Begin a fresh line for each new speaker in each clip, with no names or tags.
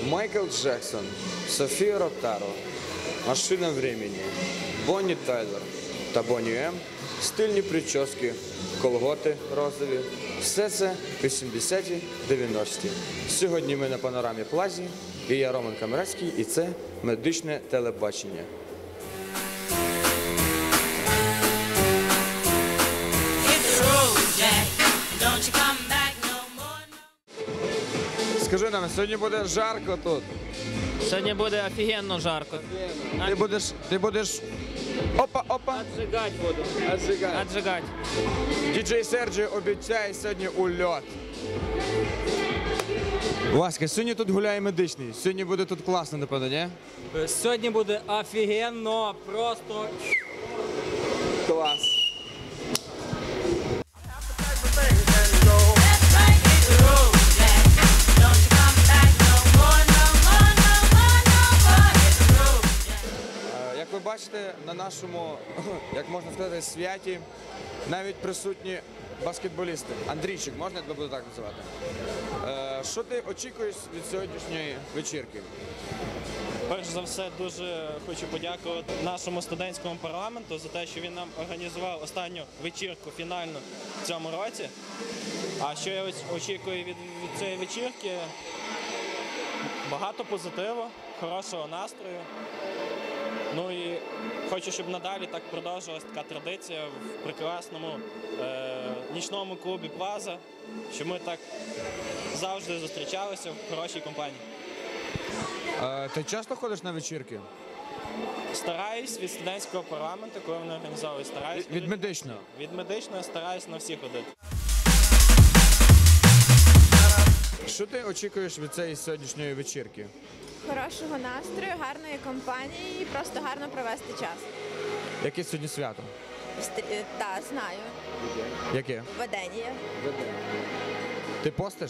Майкл Джексон, Софія Ротаро, Машина времени, Бонні Тайлер та Бонні М, стильні прически, колготи розові. Все це 80-ті, 90-ті. Сьогодні ми на Панорамі Плазі, і я Роман Камерецький, і це медичне телебачення. Скажи нам, сьогодні буде жарко тут.
Сьогодні буде офігенно жарко.
Ти будеш... Опа!
Отжигать буду. Отжигать.
Діджей Серджі обіцяє сьогодні ульот. Васька, сьогодні тут гуляє медичний. Сьогодні буде тут класно, напевно, ні?
Сьогодні буде офігенно, просто
Клас. Як ви бачите, на нашому, як можна сказати, святі навіть присутні баскетболісти. Андрійчик, можна я тебе буду так називати? Що ти очікуєш від сьогоднішньої вечірки?
Перш за все, дуже хочу подякувати нашому студентському парламенту за те, що він нам організував останню вечірку фінальну в цьому році. А що я очікую від цієї вечірки? Багато позитиву, хорошого настрою. Ну і хочу, щоб надалі так продовжувалася така традиція в прекрасному нічному клубі Плаза, щоб ми так завжди зустрічалися в хорошій компанії.
Ти часто ходиш на вечірки?
Стараюсь від студентського парламенту, коли вони організовують, стараюсь.
Від медичного?
Від медичного стараюсь на всі ходити.
Що ти очікуєш від цієї сьогоднішньої вечірки?
Хорошого настрою, гарної компанії і просто гарно провести час.
Яке сьогодні свято?
Так, знаю.
Яке?
Ведення.
Ти постиш?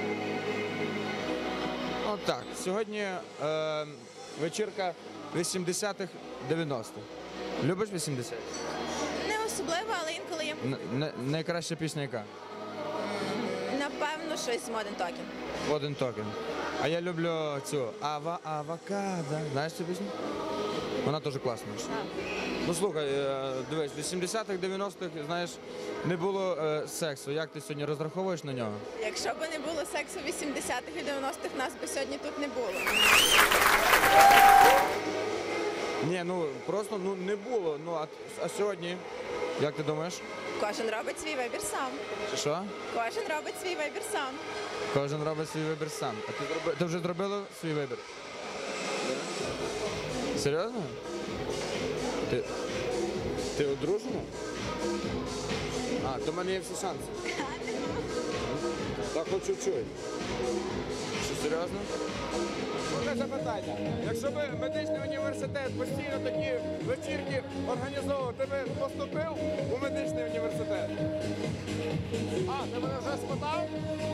Отак. Сьогодні вечірка 80-х, 90-х. Любиш 80-х?
Не особливо, але інколи є.
Найкраща пісня яка?
Напевно, щось з Modern Talking.
Один токен. А я люблю цю авокадо. Знаєш цю пісню? Вона теж класна. Ну слухай, дивись, в 80-х, 90-х, знаєш, не було сексу. Як ти сьогодні розраховуєш на нього?
Якщо б не було сексу в 80-х і 90-х, нас би сьогодні тут не було.
Ні, ну просто не було. Ну, а сьогодні, як ти думаєш?
Кожен робить свій вибір сам.
Що?
Кожен робить свій вибір сам.
Кожен робить свій вибір сам. А ти вже зробила свій вибір? Серйозно? Ти одружена? А, то в мене є всі шанси. Так хоч чуть-чуть. Що, серйозно? Одне запитання. Якщо б медичний університет постійно такі вечірки організовував, ти б поступив у медичний університет? А, ти мене вже спитав?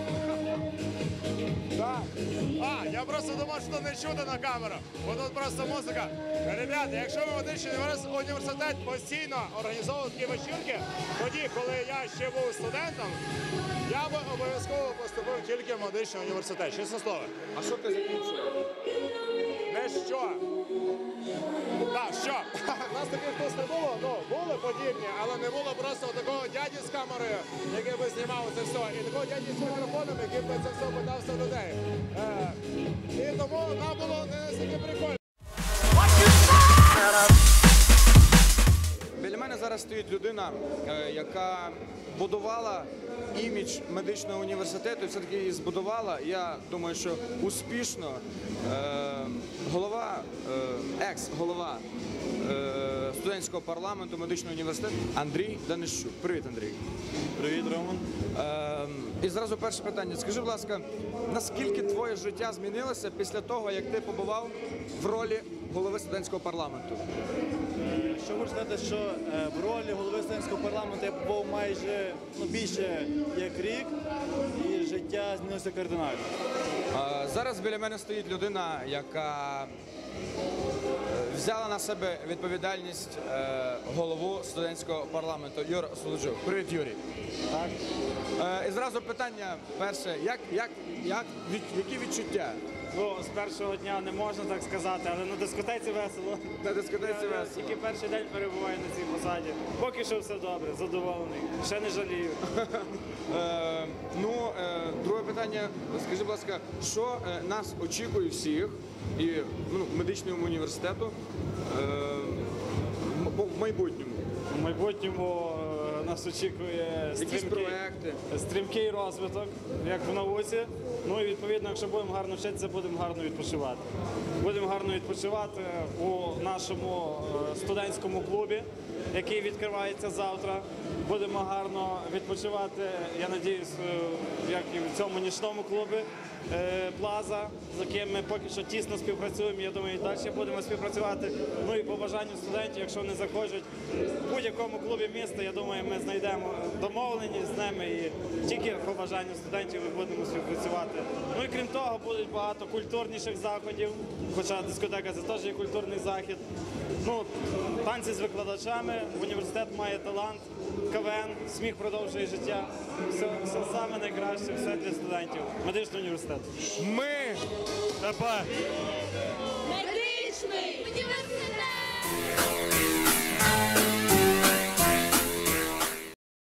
Так.
А, я просто думав, що не чути на камеру, бо тут просто музика. Ребята, якщо ви медичний університет постійно організовував такі вечірки, тоді, коли я ще був студентом, я би обов'язково поступив тільки в медичний університет, чесне слово.
А що ти закінчив?
Не що. Так, що? Нас таких тут не було, ну, були подібні, але не було просто такого дяді з камерою, який би знімав це все, і такого дяді з мікрофоном, який би це все питався людей. І тому нам було не настільки прикольно.
Біля мене зараз стоїть людина, яка будувала імідж медичного університету, і все-таки її збудувала. Я думаю, що успішно екс-голова студентського парламенту медичного університету Андрій Данищук. Привіт, Андрій.
Привіт, Роман.
І зразу перше питання. Скажи, будь ласка, наскільки твоє життя змінилося після того, як ти побував в ролі голови студентського парламенту?
Що хочу сказати, що в ролі голови студентського парламенту я побув майже більше як рік, і життя змінилося кардинально.
Зараз біля мене стоїть людина, яка взяла на себе відповідальність голову студентського парламенту Юр Солоджук. Привіт, Юрій.
Так.
І зразу питання перше, які відчуття?
Ну, з першого дня не можна так сказати, але на дискотеці весело.
На дискотеці
Я
весело.
тільки перший день перебуваю на цій посаді. Поки що все добре, задоволений. Ще не жалію.
Друге питання. Скажи, будь ласка, що нас очікує всіх і медичному університету в майбутньому?
У майбутньому нас очікує
Якісь проекти?
стрімкий розвиток, як в науці. Ну і відповідно, якщо будемо гарно вчитися, будемо гарно відпочивати. Будемо гарно відпочивати у нашому студентському клубі, який відкривається завтра. Будемо гарно відпочивати, я сподіваюся, як і в цьому нічному клубі Плаза, з яким ми поки що тісно співпрацюємо. Я думаю, і далі будемо співпрацювати. Ну і по бажанню студентів, якщо вони захочуть в будь-якому клубі міста, я думаю, ми знайдемо домовленість з ними і тільки по бажанню студентів ми будемо співпрацювати. Ну і крім того, будуть багато культурніших заходів, хоча дискотека це теж є культурний захід. Ну, танці з викладачами, університет має талант, КВН, сміх продовжує життя. Все саме найкраще, все для студентів. Медичний університет.
Ми
Тепер.